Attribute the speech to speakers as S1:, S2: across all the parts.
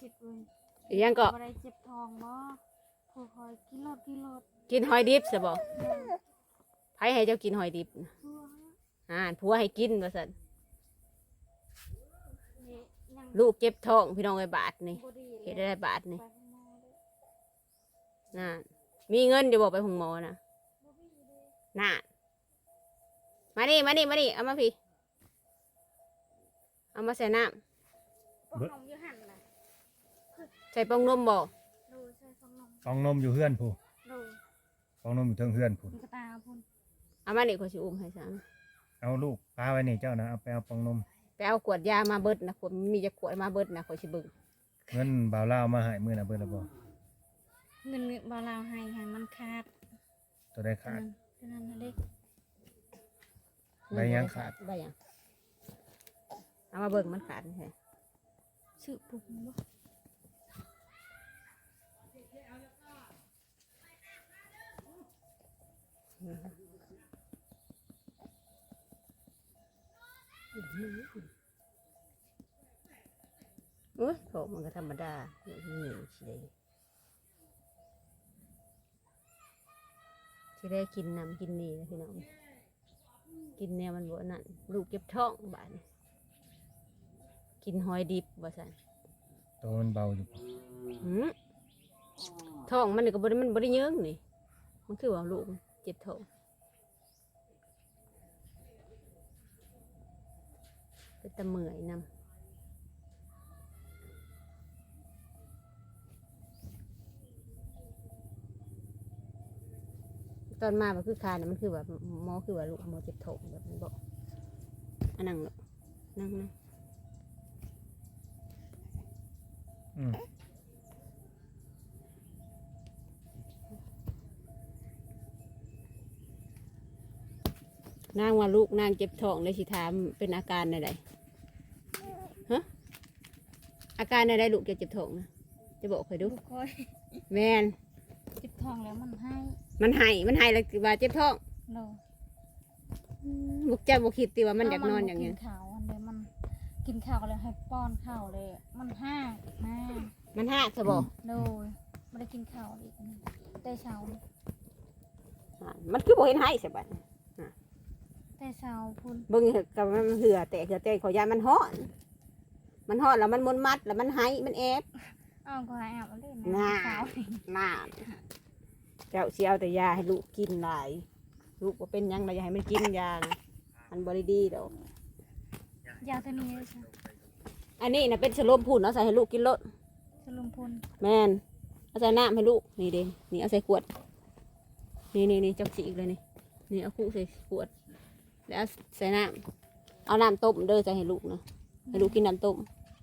S1: คิดเว้ย
S2: อีหยังก็
S1: บ่ได้เจ็บท้องบ่ผู้คอยกินรถ
S2: กินหอยดิบซะบ่ไผให้เจ้ากินหอยดิบน่ะ
S1: ทั่ว
S2: ผัวให้กินว่าซั่น
S1: นี่ยัง
S2: ลูกเจ็บท้องพี่น้องไอ้บาทนี่
S1: บ่ดี
S2: เฮ็ดได้บาทนี่
S1: ไปข้างนอกเลย
S2: น่ะมีเงินอยู่บ่ไปหงหมอน่ะ
S1: บ่มีเลย
S2: น่ะมานี่เอามาพี่เอามาใส่น้ำ
S1: ปองนมอยู่หั่นน่ะ
S2: ใส่ปองนมบ่
S1: ดูใส่ปองนม
S3: ฟองนมอยู่เฮือนผู้
S1: ดู
S3: ฟองนมอยู่เทิงเฮือนผู้
S1: มันกระตาพุ่น
S2: เอามานี่ขอยสิอุ้มให้ซะ
S3: เอาลูกปลาไว้นี่เจ้านะเอาไปเอาฟองนม
S2: ไปเอาขวดยามาเบิดนะขวดมีจะขวดมาเบิดนะขอยสิเบิ่ง
S3: เงินบ่าวลาวมาให้มื้อน่ะเบิ่ละบ่
S1: เงินบ่ลาวให้มันขาด
S3: ตัวได้ขาด
S1: ฉะนั้นน่ะเด็ก
S3: ใบยังขาด
S2: ใบยังเอามาเบิ่งมันขาดใช่
S1: ชื่อปุ่มบ่
S2: โอ้ยโถมันก็ธรรมดาอย่างนี้สิได้กินน้ำกินนี่นะพี่น้องกินแนวมันบ่นั่นลูกเก็บท้องบาดนี้กินหอยดิบบ่ซั่น
S3: ตัวมันเบาอยู่
S2: ท้องมันนี่ก็บ่ได้มันบ่ได้เยิงนี่มันคือว่าลูกเจ็บท้องเป็นตะเมื่อยนำตอนมาแบบคือคาเนี่ยมันคือแบบหมอคือว่าลูกหมอเจ็บท้องแบบนี้บอกอันนั่งเนาะนั่ง
S3: อืม
S2: นางว่าลูกนางเจ็บท้องเลยสิถามเป็นอาการใดฮะอาการใดลูกจะเจ็บท้องนะจะบอกเคยดู
S1: ลูกคอย
S2: แมน
S1: เจ็บท้องแล้วมันให้
S2: มันให้แล้วว่าเจ็บท้อง
S1: โน
S2: บุกเจ้าบุกคิดตีว่ามันอยากนอนอย่าง
S1: เงี้
S2: เงี้
S1: ย
S2: ย
S1: ข้าวอันเดียวมันกินข้าวเลยให้ป้อนข้าวเลยมันห้าแม่
S2: มันหักจะบอก
S1: โดยไม่ได้กินข้าวอีกนะแต่เช้า
S2: มันคือบอกเห็นให้สิบัด
S1: แต่เช้าพุ่น
S2: เบิ่งกับมันเหือแต่ขอยามันฮ้อนแล้วมันมนมัดแล้วมันให้มันแอบ
S1: อ้าวก็ให้อาบเอาเลย
S2: น่า
S1: เช้า
S2: น่าเจ้าเสียเอาแต่ยาให้ลูกกินหลายลูกว่าเป็นหยังเราอย่าให้มันกินยานะมันบริดีดอก
S1: ยาตัวนี้เลยใช่
S2: อันนี้นะเป็นสโลมพูนเอาใส่ให้ลูกกินรส
S1: สลุมพล
S2: แมนเอาใส่น้ำให้ลูกนี่เด้นี่เอาใส่ขวดนี่จักสีอีกเลยนี่เอาคู่ใส่ขวดแล้วเอาใส่น้ำเอาน้ำต้มเด้อใส่ให้ลูกนะให้ลูกกินน้ำต้ม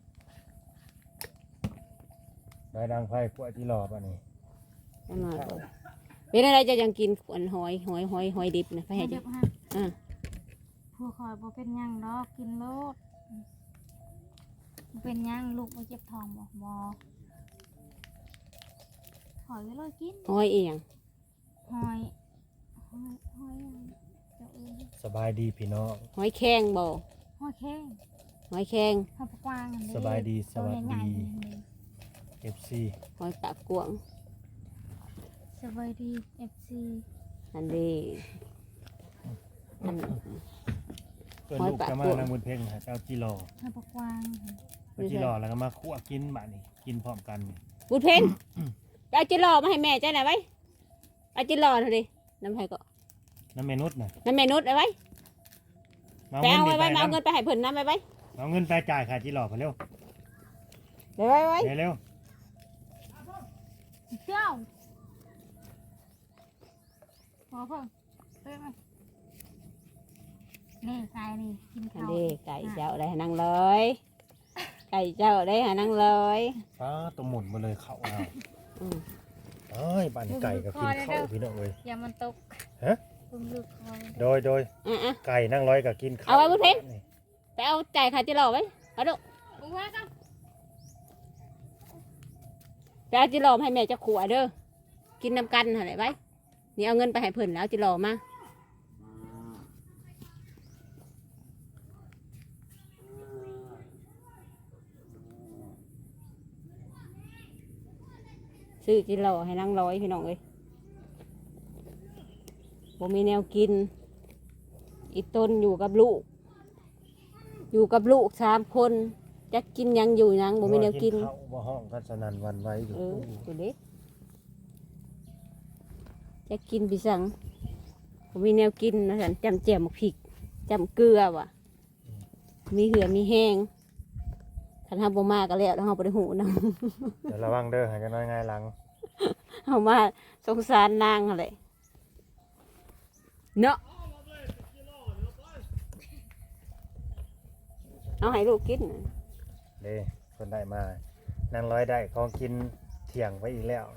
S3: ใบดังไฟขวดที่รอป่ะนี่
S2: จังหน่อยก่อนเป็นอะไรจะยังกินขวดหอยดิบนะไปให้
S1: เดี๋
S2: จ้ะ
S1: ยวฮะ
S2: อ่า
S1: ผู้คอยบ่เป็นหยังดอกกินโลดบ่เป็นหยังลูกบ่เจ็บท้องบ่หอยไว้เลยกิน
S2: หอยเอียง
S1: หอยอะไรเจ้าเอ้ย
S3: สบายดีพี่น้อง
S2: หอยแข้งบ่
S1: หอยแข้ง
S2: หอยแข้ง
S1: หอยปลากวางอันนี้
S3: สบายดีส
S1: ตัว
S3: วัส
S1: ใหญ่
S3: ดี
S1: ๆอันนี้
S3: FC
S2: หอยปากกวาง
S1: สบายดี FC
S2: อันนี้อัน
S3: เอิ้น
S2: หอย
S3: ลูก
S2: ปาก
S3: จะมา
S2: กวาง
S3: นางบุญเพ็งหาเจ้าจิรอ
S1: หอยปลากวาง
S3: เอาจิรอแล้วก็มาคั่วกินบะนี่กินพร้อมกันนี่
S2: บุญเพนไปเอาจิรอมาให้แม่จ้าหน่อยไว้เอาจิรอเถอะดิน้ำไผ่ก็
S3: น้ำเมนุษย์น่ะ
S2: น้ำแม่นุชเอาไว้
S3: มา
S2: ไปเอา
S3: เงิ
S2: ไว้
S3: น
S2: ไว้มาเอาเงินไปให้เพิ่นน้ำไว้
S3: เอาเงินไปจ่ายค่าจิรอไปเร็ว
S2: เดี๋ยวไว้
S3: เร็ว
S1: เจ้าพอเพิ่งเพิ่งนี่ไก่นี่กิน
S2: อัน
S1: ข้าว
S2: นี้ไก่เจ้าได้ให้นั่งเลยไก่เจ้าได้ให้นั่งเลย
S3: ป้าตัวหมุนมาเลยเขาเอา
S2: อืม
S3: เอ้ยบ้านไก่ก็กินข้าวพี่น้องเลย
S1: อย่ามันตก
S3: ฮะ
S1: ปุ้มลูกคอย
S3: โดย
S2: อ่ะ
S3: ไก่นั่งร้อยก็กินข้าว
S2: เอาไว้บุญเพ็ญ
S3: นี่
S2: ไปเอาจ่ายค่าจิรอไว้เอาดู
S1: อุ้งว่ากัน
S2: ไปเอาจิรอมาให้แม่เจ้าขวดเด้อกินน้ำกันอะไรไว้นี่เอาเงินไปให้เพิ่นแล้วจิรอมาซื้อกินเหล้าให้นางร้อยพี่น้องเอ้ยผมมีแนวกิน อีต้นอยู่กับลูก อยู่กับลูก3 คนจะกินหยังอยู่หยังบ่มีแนวกิน
S3: ข้าวบ่ห้องกันสนั่นหวันไหวอยู่
S2: ตัวเด็กจะกินปีสังผมมีแนวกินนะฉันจำแจ่มพริกจำเกลือว่ะ มีเหือมีแห้งคันห้าบ่มาก็แล้วแล้วเฮาบ่ได้หูนำ
S3: เดี๋ยวระวังเด้อหากันน้อยง่ายหลัง
S2: เฮามาสงสารนางหั่นแหละเนาะเอาให้ลูกกินน่ะ
S3: เด้คนได้มานั่งร้อยได้ของกินเที่ยงไว้อีกแล้ว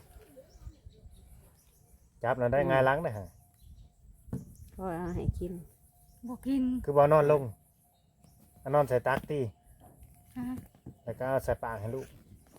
S3: จับแล้วได้ง่ายหลังนะฮะ
S2: ก็เอาให้กิน
S1: บ่กิน
S3: คือบ่นอนลงเอานอนใส่ตักตี
S1: ฮะ
S3: แล้วก็เอาใส่ปากให้ลูก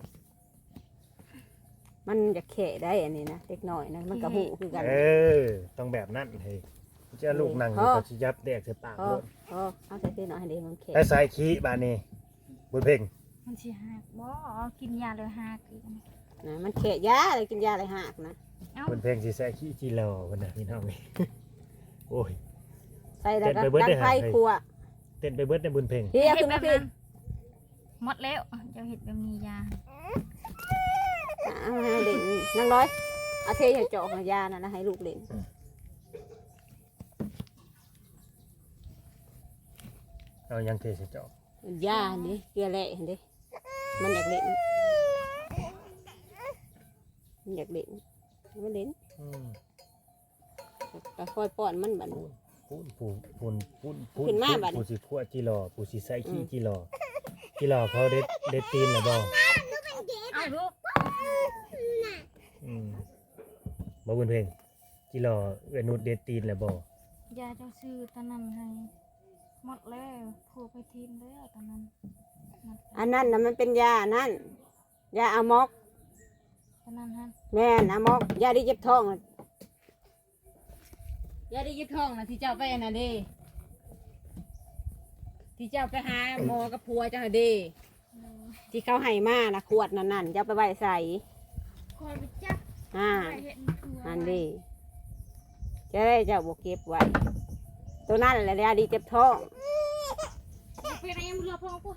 S2: มันจะแข่ได้อันนี้นะเล็กน้อยนะมันก็หูคือกัน
S3: ต้องแบบนั้นเฮ้ยจะลูกนั่งอยู่ก็สิยับแดกใส่ปาก
S2: พอ
S3: ลูก
S2: พอเอาใส่ที่หน่อยให้เด็กมันแข่
S3: ไอ้สายขี้บาดนี้บุญเพ่ง
S1: มันสิหักบ่กินยาเลยหักอีก
S2: นะมันแข่ยาเลยกินยาอะไรหักนะ
S1: เอ้า
S3: บุญเพ่งสิใส่ขี้จีรอพุ่นน่ะพี่น้องนี่ โอ้ย
S2: ใส่แล้วก็
S3: เต้นไปเบิด
S2: ดัง
S3: ได้
S2: ไฟ
S3: หาใคร
S2: ครัว
S3: เต้นไปเบิดในบุญเพ่ง
S2: เฮียขึ้นมาพี่
S1: หมดแล้วเจ้าเห็ดแบบนี้ยา
S2: เอาให้เด่นนางร้อยเอาเทใส่จอกยานะให้ลูกเล่น
S3: เอายังเทใส่จอก
S2: ยานี่เกลือแร่เห็นดิมันอยากเล่นมันอยากเล่นมันเล่น
S3: อืม
S2: ก็ค่อยป้อนมันบัด
S3: ปูนปูน
S2: ขึ้นมาบัดนี้
S3: ปูสิขั่วจีรอปูสิใส่ขี้จีรอจีรอเขาเด็ดตีนหรือบ่
S1: เอาลูก
S3: อืมบ่บุญเพ่งจีรอเวนุดเด็ดตีนหรือบ่
S1: ยาเจ้าซื้อตอนนั้นให้หมดแล้วผูกไปทีมแล้วตอนนั้นหมด
S2: อันนั้นนะมันเป็นยานั่นยาอะมอก
S1: ตอนนั้นฮะ
S2: แม่นอะมอกยาดีเจ็บท้องน่ะยาดีเจ็บท้องนะที่เจ้าไปอันน่ะเด้ที่เจ้าไปหาหมอกับผัวเจ้าน่ะเด้ที่เขาให้มานะขวดนั่นเจ้าไปไว้ใส่
S1: คอยไปจับ
S2: อ่า
S1: ไปเห็นตัว
S2: อันดีจะได้เจ้าบวเก็บไว้ตัวนั้นแหละยาดีเจ็บท้อง
S1: เป็นอะไรยังเรือพอกู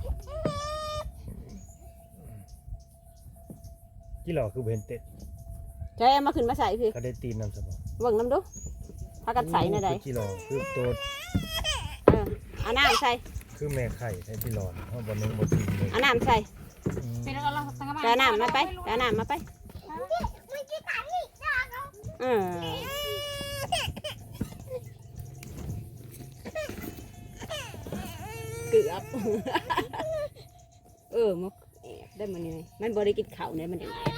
S3: จีรอคือเห็นเต็ด
S2: จะเอามาขึ้นมาใส่พี่
S3: เขาเด็ดตีนนำซะบ่
S2: เบิ่งน้ำดูพากันใส่ในใด
S3: คือจีรอคือตัว
S2: เอาน้ำใส่
S3: คือแม่ไข่ใช่จีรอเฮาบ่นึงบ่ตีนเลย
S2: เอาน้ำใส่
S3: อืม
S1: เป็นแล้วเราตั้งมา
S2: เอาน้ำมาไปเอาน้ำมาไปเกือบ มันแอบได้มันยังไงมันบริกินข้าวเนี่ยมันยังไง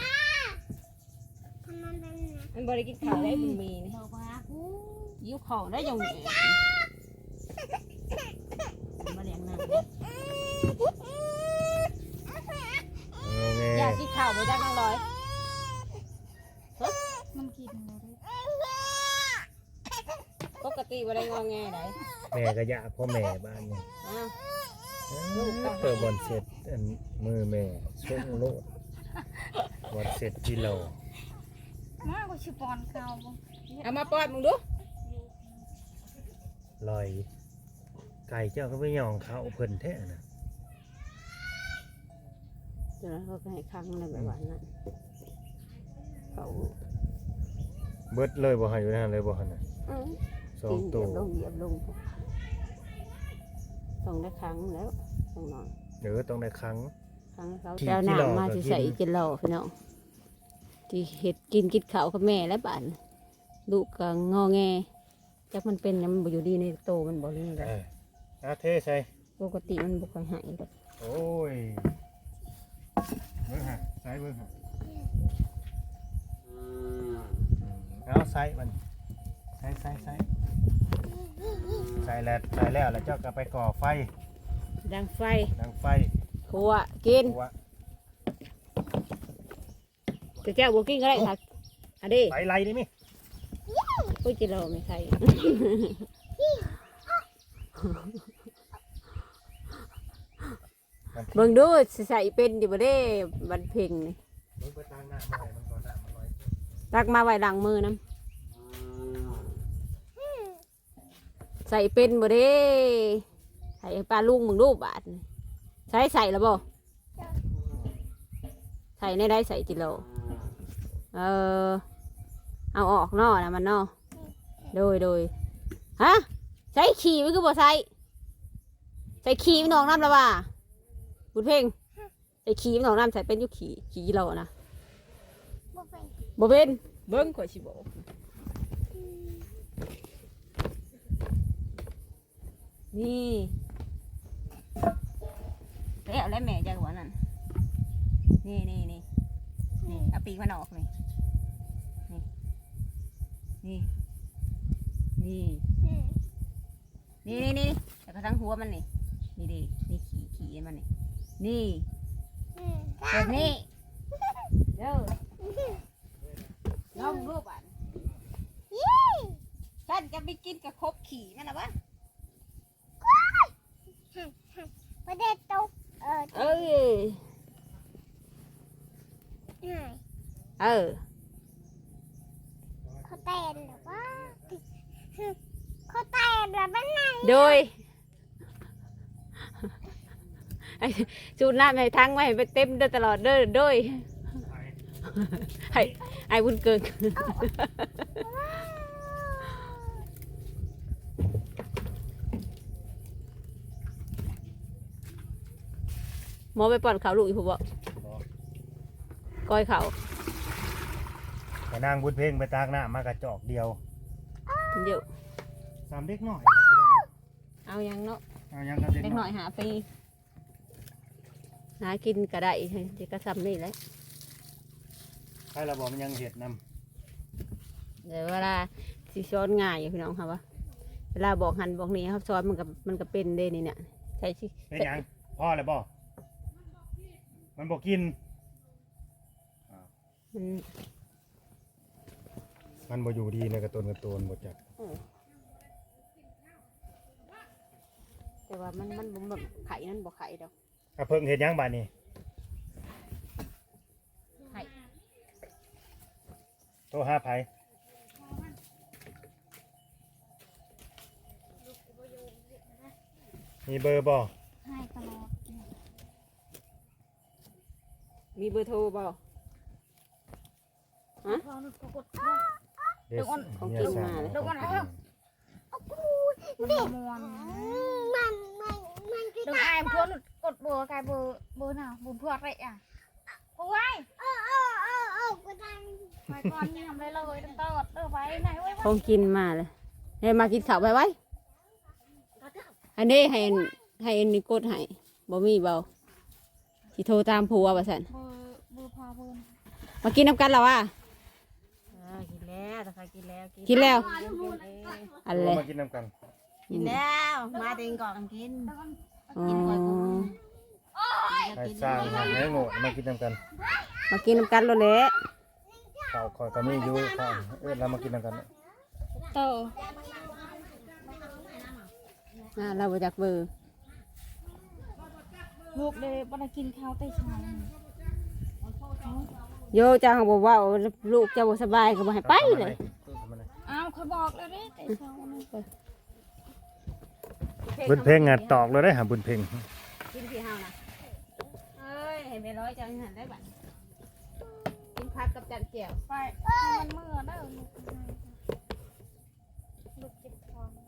S2: มันบริกินข้าวได้มันมีนี่
S1: เดี๋ยวมากู
S2: ยิ้วของได้ยังไงมาเลี้ยงน้ำ
S3: เอาแม่
S2: อยากกินข้าวไปจ้าน้องร้อย
S1: มันกินเลย
S2: ปกติบ่ได้งอแงไหน
S3: แม่ก็อยากพ่อแม่บ้านนี่
S2: อ้าว
S3: เปิดบอลเสร็จอันมือแม่ส่งโลดบอลเสร็จจีรอ
S1: มากกว่าชิปอนเขาบ่
S2: เอามาป้อนมึงดู
S3: ลอยไก่เจ้าก็ไปย่องเขาเพิ่นแท้นะ
S2: เดี๋ยวเขาก็ให้ครั้งในแบบว่านั้นเขา
S3: เบิดเลยบ่ให้อยู่นั่นเลยบ่หั่นน่ะสอง
S2: กิน
S3: ตัว
S2: เหยียบลงต้องได้ครั้งแล้วต้องนอน
S3: เดี๋ยวต้องได้ครั้ง
S2: ครั้งเขา
S3: ที่
S2: เจ้าห
S3: ที่
S2: น้า
S3: เรา
S2: มา
S3: ก็
S2: ที่
S3: กิน
S2: ใส่กินเหล้าพี่น้องที่เห็ดกินข้าวกับแม่และบ้านลูกก็งอแงจักมันเป็นนะมันบ่อยู่ดีในโตมันบ่นี่แหละ
S3: เอาเทใส่
S2: ปกติมันบ่ค่อยหายดอก
S3: โอ้ยเบิ่งหะใส่เบิ่งหะเอาใส่มันใส่ใส่แล้วเจ้าก็ไปก่อไฟ
S2: ดังไฟ
S3: ดังไฟ
S2: ขัวกิน
S3: หัว
S2: แต่แก้วบ่กินก็ได้ค่ะอันนี้
S3: ไฟไล่ได้มั้ย
S2: อุ้ยจิเราไม่ใช่ เบิ่งดูสิใส่เป็นอยู่บ่เด้บันเพ็งนี่
S3: มึงไปตั้งหน้ามาให้มัน
S2: ตักมาไว้ล้างมือน้ำใส่เป็นบ่เด้ใส่ปลาลุงมึงรูปบาทนี่ใส่แล้วบ่ใส่ในได้ใส่จิโลเอาออกนอนะมันนอโดยฮะใส่ขี้มันคือบ่ใส่ขี้มันออกน้ำแล้วว่าบุญเพ่งใส่ขี้มันออกน้ำใส่เป็นอยุขี้เรานะบ่เป็นเบิ้งข่อยสิบอกนี่แล้วแม่จะหัวนั่นนี่เอาปีกมันออกนี่แต่กระทั่งหัวมันนี่นี่ขี่มันนี่แบบนี้เด้อลองรูปอ่ะฉันจะไปกินกับคบขี่มันนะวะ
S1: ประเด็นตก
S2: เออ
S1: เขาเต้นหรือว่าเขาเต้นหรือเป็นไง
S2: โดยจูดน้ำให้ทั้งไว้ไปเต็มเด้อตลอดเด้อโดยไอ้บุญเกินหมอไปป้อนข้าวลูกอีกผมบอกก้อยเขา
S3: แต่นางบุญเพ่งไปตากหน้ามากระจอกเดียวสามเด็กหน่อย
S2: เอายังเนาะ
S3: เอายังกับเด็กหน่อย
S2: หาปีหากินก็ได้ที่กระซำนี่แหละ
S3: ใครเราบอกมันยังเห็ดน
S2: ำเดี๋ยวเวลาสิซ้อนง่ายอยู่พี่น้องครับว่าเวลาบอกหันบอกนี้ครับซ้อนมันก็เป็นเด้นี่เนี่ยใช่สิ
S3: เป็นยังพ่อเลยบอกมันบอกกินมันบ่อยู่ดีในกระตุนบ่จัก
S2: แต่ว่ามันแบบไข่นั่นบ่ไข่ดอก
S3: กระเพิ่งเห็ดยังบาดนี้
S2: ไข่
S3: โทรหาไผมีเบอร์บ่
S1: ให้ตลอด
S2: มีเบอร์โทรบ่ฮะ
S3: เดี๋ยวของกินมาเลย
S1: มันดึงไอ้พวกกดเบอร์ไกเบอร์น่ะบุญพวกอะไรอ่ะกูไว้กูทำไปก่อนนี่ทำเลยตั้งแต่ไปไหนไว้
S2: ของกินมาเลยให้มากินข้าวไปไว้อันนี้ให้นี่กดให้บ่มีเบาสิโทรตามผัวว่าซั่น
S1: เบอร์พาเพิ่น
S2: มากินน้ำกันแล้วว่ะ
S1: กินแล้วแต่ใครกินแล้ว
S2: อะไร
S3: มากินน้ำกัน
S1: กินแล้วมาเองก่อนกินก่อน
S3: ให้สร้างให้โง่มากินน้ำกัน
S2: มากินน้ำกันแล้วแหละ
S3: ข้าวคอยก็มีอยู่ข้าวเรามากินน้ำกัน
S1: โต
S2: เราไปจากเบอร์
S1: ลูกเลยบ่ได้กินข้าวแต่เช้า
S2: โยจ้าเขาบอกว่าลูกจะบ่สบายก็บ่ให้ไปเลย
S1: อ้าวเขาบอกแล้วนี่แต่เช้า
S3: บุญเพ่งงัดตอกเลยได้หาบุญเพ่ง
S2: กินที่เฮานะเอ้ยเห็นไปร้อยจังหันได้บัดกินผักกับจันเจียว
S1: ไปมันเมื่อได้ลูกเจ็บท้อง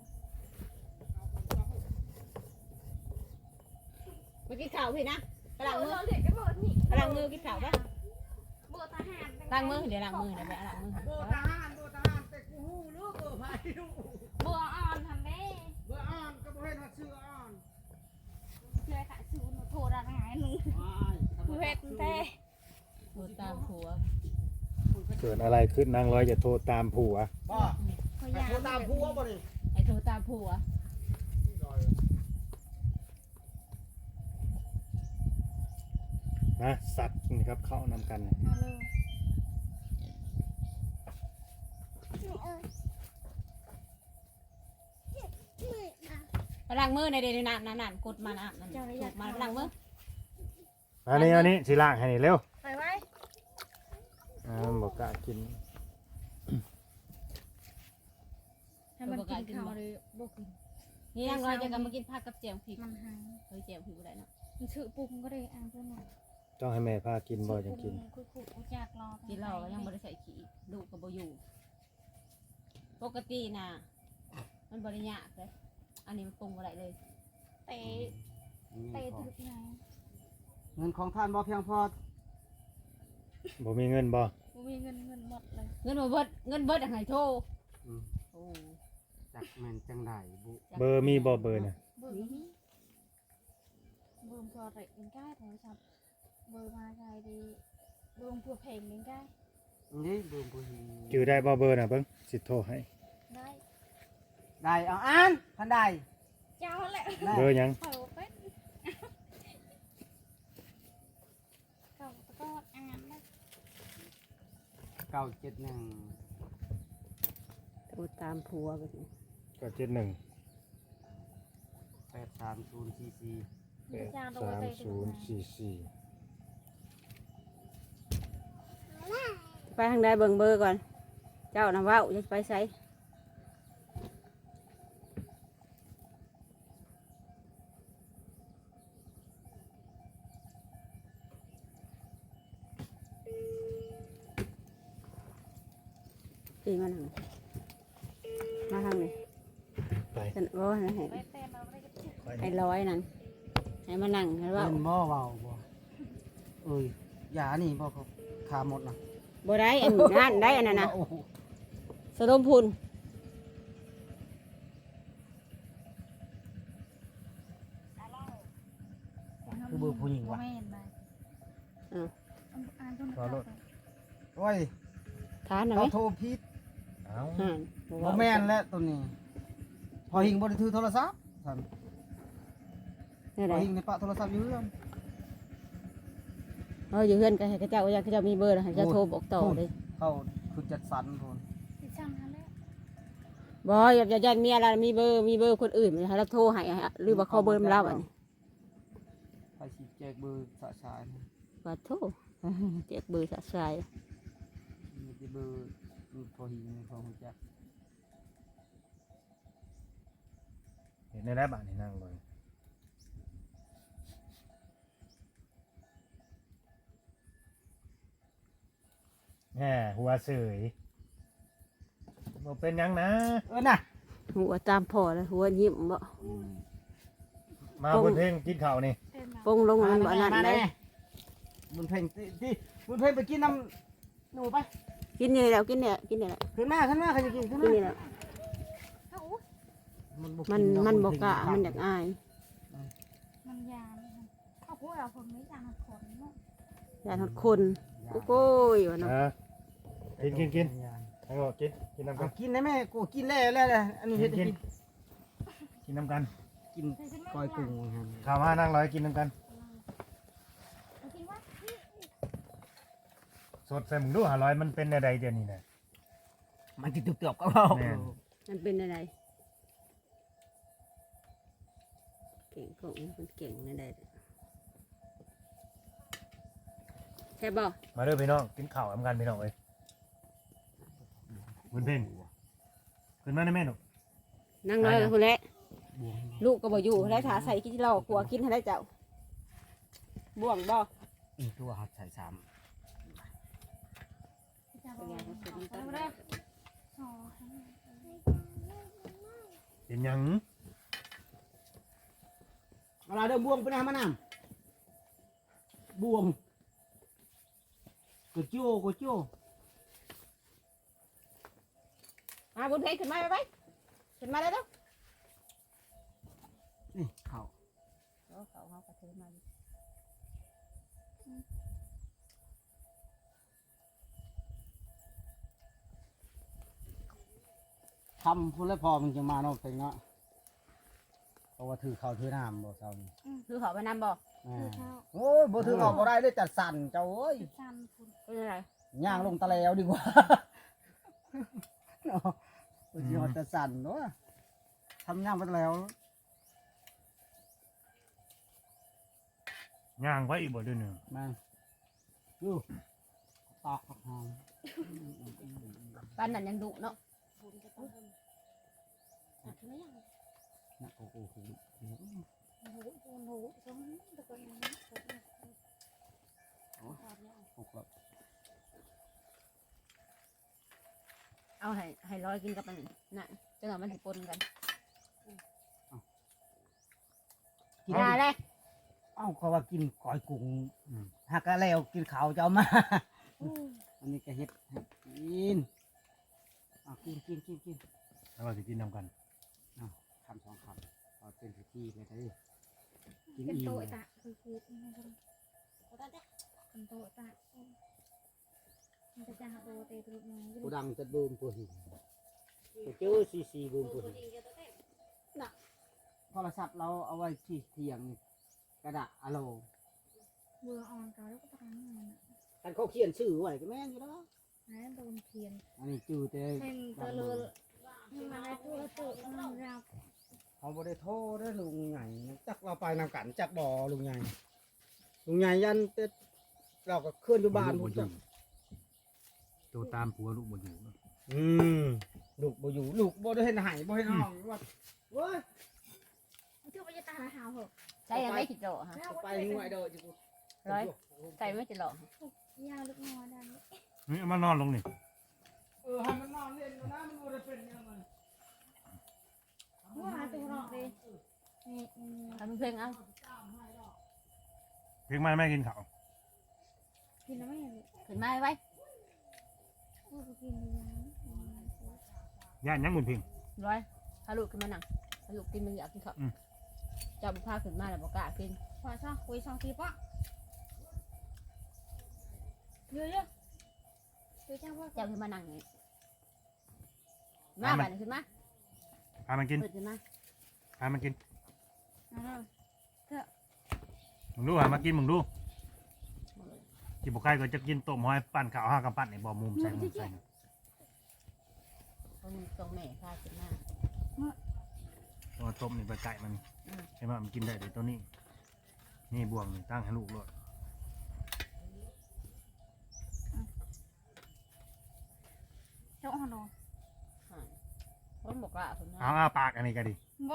S2: ไปกินข้าวพี่นะกำลังมือกินข้าวปะล้างมือเดี๋ยวล้างมือนะไปล้างมือ
S4: เบอร์ทหารแต่กูหูหรือเบอร์ไผ่ลูก
S1: เบอร์อ่อนทำได้
S4: เบอร์อ่อนก็บ่เห็นว่าชื่ออ่อน
S1: เลยค่ะชื่อหนูโทรได้ไงหนูเพชรเต้
S2: โทรตามผัว
S3: เกิดอะไรขึ้นนางร้อยจะโทรตามผัว
S4: บ่โทรตามผัวบ่ดิ
S2: ไอ้โทรตามผัว
S3: นะสัตว์นี่ครับเข้านำกัน
S2: ล้างมือในเดือนนานกดมานะมาล้างมือ
S3: อันนี้สิล้างให้เร็ว
S1: ไปไว้
S3: บอกกะกิน
S1: ให้มันกินข้าวเลยบ่กิน
S2: นี่นางร้อยจะกันมากินผักกับแจ่วพริก
S1: มันหาย
S2: เฮ้ยแจ่วพริกบ่ได้เนาะ
S1: มันชื่อปรุงก็ได้อ่านเพื่อนหน่อย
S3: ต้องให้แม่พากินบ่จังกิน
S1: คุยๆอยากรอ
S2: กินเหล้าก็ยังบ่ได้ใส่ขี้ลูกก็บ่อยู่ปกติน่ะมันบ่ได้ยากเลยอันนี้มันปรุงบ่ได้เลย
S1: เตะถึกไหน
S4: เงินของท่านบ่เพียงพอ
S3: บ่มีเงินบ่
S1: มีเงินหมดเลย
S2: เงินบ่เบิดเงินเบิดอะให้โทร
S4: อืม
S2: โอ้
S4: จักแม่นจังไดบุ
S3: เบอร์มีบ่เบอร์น่ะ
S1: เบอร์นี้เบอร์พอเตะเป็นใกล้โทรศัพท์เบอร์มาใครดีเบอร์ผัวเพลงเป็นใกล้
S4: นี่เบิ่งบ่เห็น
S3: จื้อได้บ่เบอร์น่ะเบิ่งสิโทรให้
S1: ได้
S4: ได้เอาอ่านท่านได้
S1: เจ้าแหละ
S4: ได้
S3: เบอร์หยัง
S1: เผาเป็ดก็อ่านได้
S4: 971
S2: โทรตามผัวไปสิ
S3: ก็71
S4: 83044
S1: เจ้าตัวเตะถึง
S3: 83044
S2: ไปทางใดเบิ่งเบอร์ก่อนเจ้าน่ะเว้าจะไปไสปีมาทางนี้มาทางนี้
S3: ไป
S2: ฉันโอ้ยให้
S1: ไปเต้นเราไม่ได้จะ
S3: ไป
S2: ให้ร้อยนั่นให้มานั่งให้เว่า
S4: เล่นบ่เว้าบ่เอ้ยยานี่บ่เขาขาหมดนะ
S2: บ่ได้อันนั้นได้อันนั้นนะ
S4: โอ้โห
S2: สะดมพุน
S4: คือเบอร์ผู้หญิงว่ะ
S1: ไม่เห็นไหมอ่านจน
S4: โอ้ย
S2: ทานหน่อ
S4: เขา
S2: ย
S4: โทรผิด
S3: เอ้า
S2: ห่าน
S4: บ่แม่นแล้วตัวนี้ พอหิงบ่ได้ถือโทรศัพท์ท่าน
S2: นี่
S4: พ
S2: ได
S4: อหิงในปะโทรศัพท์อยู่เรือน
S2: อยู่เฮือนก็ให้เขาเจ้าอยากเขาเจ้ามีเบอร์แล้วให้เจ้าโทรบอกต่อเลย
S4: เขาคือจัดสรรโทน
S1: ติดช่างทันแล้ว
S2: บ่อย่ายันเมียเรามีเบอร์คนอื่นให้เราโทรให้หรือว่าขอเบอร์มันเราอันนี้
S4: ไปสิแจกเบอร์สะสาย
S2: ว่าโทรเจ็กเบอร์สะสาย
S4: มีแต่เบอร์พอหิงพอหูจัก
S3: เห็นได้บ้านนี่นั่งเลยแหมหัวเสยบ่เป็นหยังนะ
S4: น่ะ
S2: หัวตามพ่อแล้วหัวยิ้มบ่
S3: มาบนเพลงกินข้าวนี่
S1: เต้นมา
S2: ปงลงมันบ่นั่นได้
S4: บุญเพ่งที่บุญเพ่งไปกินน้ำหนูไป
S2: กินนี่แล้วกินเนี่ยกินนี่แหละ
S4: ขึ้นมาใครจะกินขึ้น
S2: กิน
S4: มา
S2: นี่แหละ
S1: เขา
S2: มันบ่กะมันอยากอาย
S1: มันยานเขาพูดเอาผมไม่ยานขนเนาะ
S2: อยากทดคนโอ้ยว่าเนาะ
S3: กินให้บอกกินน้ำกัน
S4: กินได้ไหมกูกินแล้วอันนี้เห็ด
S3: กินน้ำกัน
S4: กินก้อยกุ้งครับ
S3: ข้าวมานั่งร้อยกินน้ำกัน
S1: กินว่า
S3: สดใส่หมึงดูหาร้อยมันเป็นอะไรเดี๋ยวนี้นะ
S4: มันติดเตือบก็เอา
S2: มันเป็นอะไรเก่งของมันเก่งนั่นแหละแค่บ่
S3: มาเด้อพี่น้องกินข้าวน้ำกันพี่น้องเอ้ยบนเพลงขึ้นมาได้ไหมหนู
S2: นั่งน้อยกับคนแหละลูกก็บ่อยู่ได้ถาใส่กินเหล้าขัวกินให้ได้เจ้าบ่วงบ่
S4: อีกตัวหัดใส่ซ้
S1: จะบอกเอาได้อ๋อ
S3: เป็นหยัง
S4: ำเวลาเดิมบวงไปไหนมาน้ำบวงกโจ้
S2: มาบุญเพลงขึ้นมาไปขึ้นมาได้แล้ว
S4: นี่เขา
S2: เขากระเทือนมา
S4: ทำพูดแล้วพอมันจะมาเนาะเป็นเนาะเพราะว่าถือข้าวถือน้ำบ่เจ้านี่
S2: คือเขาไปนำบ่
S4: โอ้ยบ่ถือข้าวบ่ได้เลยจัดสั่นเจ้าเอ้ย
S1: ติดช่างคุณ
S2: เป็นอะไร
S4: ย่างลงตะแล้วดีกว่าเนาะบ่สิฮอดจัดสั่นเนาะทำย่างไปตะแล้ว
S3: ย่างไว้อีกบ่เด้วยหนึ่ง
S4: มาดูตอกหอม
S2: ปันนั่นยังดุเนาะ
S4: นะโอ้โห
S1: หูสองตะกอนนั้น
S4: หกแล้ว
S2: เอาให้ร้อยกินกับมันน่ะจังหวะมันสิปนกันกินได้เลย
S4: เอ้าเขาว่ากินก้อยกุ้งหักกะแล้วกินข้าวจะเอามาอันนี้ก็เฮ็ดให้กินกิน
S3: แล้วเราจะกินนำกัน
S4: คำสองคำเอาเป็นพิธีเลยเด้อกิน
S1: เป็น
S4: อิ่
S1: โต
S4: ม
S1: ตะคือเป็นโตตะมันจะหาโตเตะตัวนึง
S4: ผู้ดังจะบูมผู้หินผู้เจอซีบูมผู้หินโทรศัพท์เราเอาไว้ที่เทียงนี่กระดาษอะโล
S1: เบื่ออ่อนเก่าแล้วก็ตามมัน
S4: คันเขาเขียนชื่อไว้ก็แม่นอยู่แล้ว
S1: นั่นโดนเพียน
S4: อันนี้จื้อแต่
S1: เพ่งตะลุยมาได้ตัวตัวรับ
S4: เขาบ่ได้โทษเด้อลุงใหญ่จักเราไปนำกันจักบ่ลุงใหญ่ยันแต่เราก็เคลื่อนอยู่บ้านพุ่นจ้ะ
S3: ตัวตามผัวลูกบ่อยู่
S4: ลูกบ่อยู่ลูกบ่ได้เห็นหายบ่เห็นห้องว่าเว้ย
S1: ชื่อว่าจะตาหาวเหรอ
S2: ใช่ยังไม่จิโร่ฮะ
S4: ไปหน่วยเด้อจิกู
S2: ร้อยใส่ไม่จิโร่
S1: ยาวลึกงอได้
S3: นี่เอามานอนลงนี่
S4: ให้มันนอนเล่นอยู่นะมันบ่ได้เป็นยังไง
S1: ว่าตัวรอกเลยนี่
S2: ทำเพลงเอา
S3: เพียงไม่กินข้าว
S1: กินแล้วไม่เห็น
S2: ขึ้นมาไว้
S1: ว่ากินยัง
S3: ย่านยังบุญเพียง
S2: ร้อยถ้าลูกขึ้นมานั่งถ้าลูกกินมันอยากกินข้าวจับผ้าขึ้นมาแล้วบอกกล้ากิน
S1: ขวาช่องคุยช่องทีปะเยอะๆคุยช่องว่า
S2: จับขึ้นมานั่งนี่มาบ้านขึ้นมา
S3: พามันกิน
S2: เปิดขึ้นมา
S3: พามันกิน
S1: อ่า
S3: มึงดูหามากินมึงดูกินบุกไก่ก็จะกินต้มหอยปั่นข้าวห้ากับปั่นในบ่อมุมใส่มุมใส่
S2: คนตรงแม่พาขึ้นมา
S3: ตัวต้มนี่ไปไก่มันใช่ไหมมันกินได้เดี๋ยวตัวนี้นี่บ่วงนี่ตั้งให้ลูกเลย
S1: เจ้าอ่อน
S2: คนบอกกล้าขึ้นมา
S3: เอาปากอันนี้ก็ดี
S1: บ่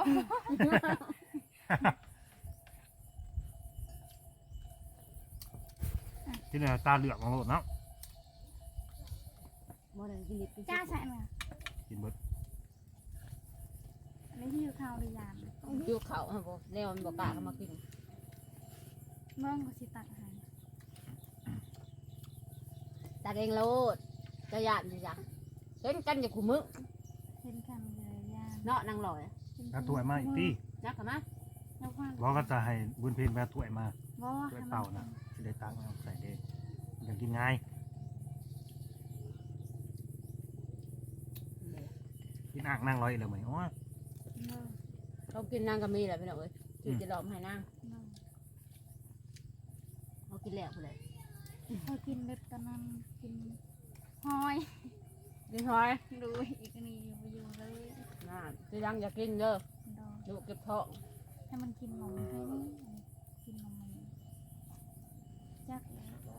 S3: ที่นี่ตาเหลือกของโลดเนาะ
S2: บ่ได้กินลิบกิน
S1: จ้าใส่มา
S3: กินเบิด
S1: อันนี้ที่อยู่ข่าวดียาน
S2: ยูเขาฮะบ่แนวมันบอกกล้าเข้ามากิน
S1: เมืองก็สิตักอาหาร
S2: ตาเองโลดจะยานจะยังเห็นกันอย่าขู่มึง
S1: เห็นกันเลยยาน
S2: เนาะนางลอย
S3: ถ้าถ้วยมาอีกที่
S2: นักกันมา
S1: แล้วว่า
S3: บอกก็จะให้บุญเพ็ญไปเอาถ้วยมา
S1: บ่
S3: ถ้วยเปล่านะที่ได้ตังค์เอาใส่เด้อยากกินง่ายกินอ่างนั่งร้อยเลยไหมโอ้ย
S2: เขากินนางก็มีแหละพี่น้องเอ้ยที่จะหลอมให้นางเขากินแล้วเลย
S1: พอกินเบ็ดตอนนั้นกินหอย
S2: กินหอย
S1: ดูอีกนี่อยู่เลย
S2: น่าจะยังอยากกินเด้อ
S1: ดอก
S2: ลูกเก็บท้อง
S1: ให้มันกินนมให้นี่กินนมจัก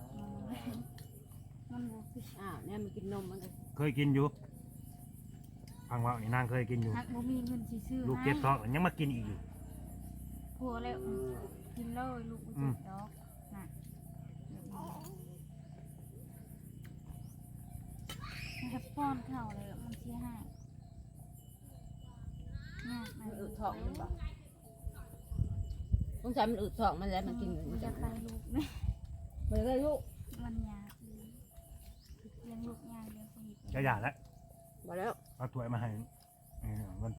S1: มันบ่คือ
S2: เนี่ยมันกินนมมันก็
S3: เคยกินอยู่ฟังว่านี่นางเคยกินอยู่
S1: หักบ่มีเงินสิซื้อ
S3: ลูกเก็บท้องยังมากินอีกอยู่
S1: ผัวแล้วกินเลยลูกบ่เจ็บดอกน่ะให้ป้อนข้าวเลยมันสิหายเนี่ยมั
S2: มัน นอึท้องมันบอกต้องใช้มันอึท้องมันแล้วมันกิน
S1: มั
S2: มัน น
S1: จะ
S2: จะ
S1: ไปลูกเนี่ย
S2: มันก็ลูก
S1: มันยากดีเลี้ยงลูกยากเลี้ยงคนอีก
S3: จะหย่าแล้ว
S2: บอกแล้ว
S3: เอาถ้วยมาให้วัน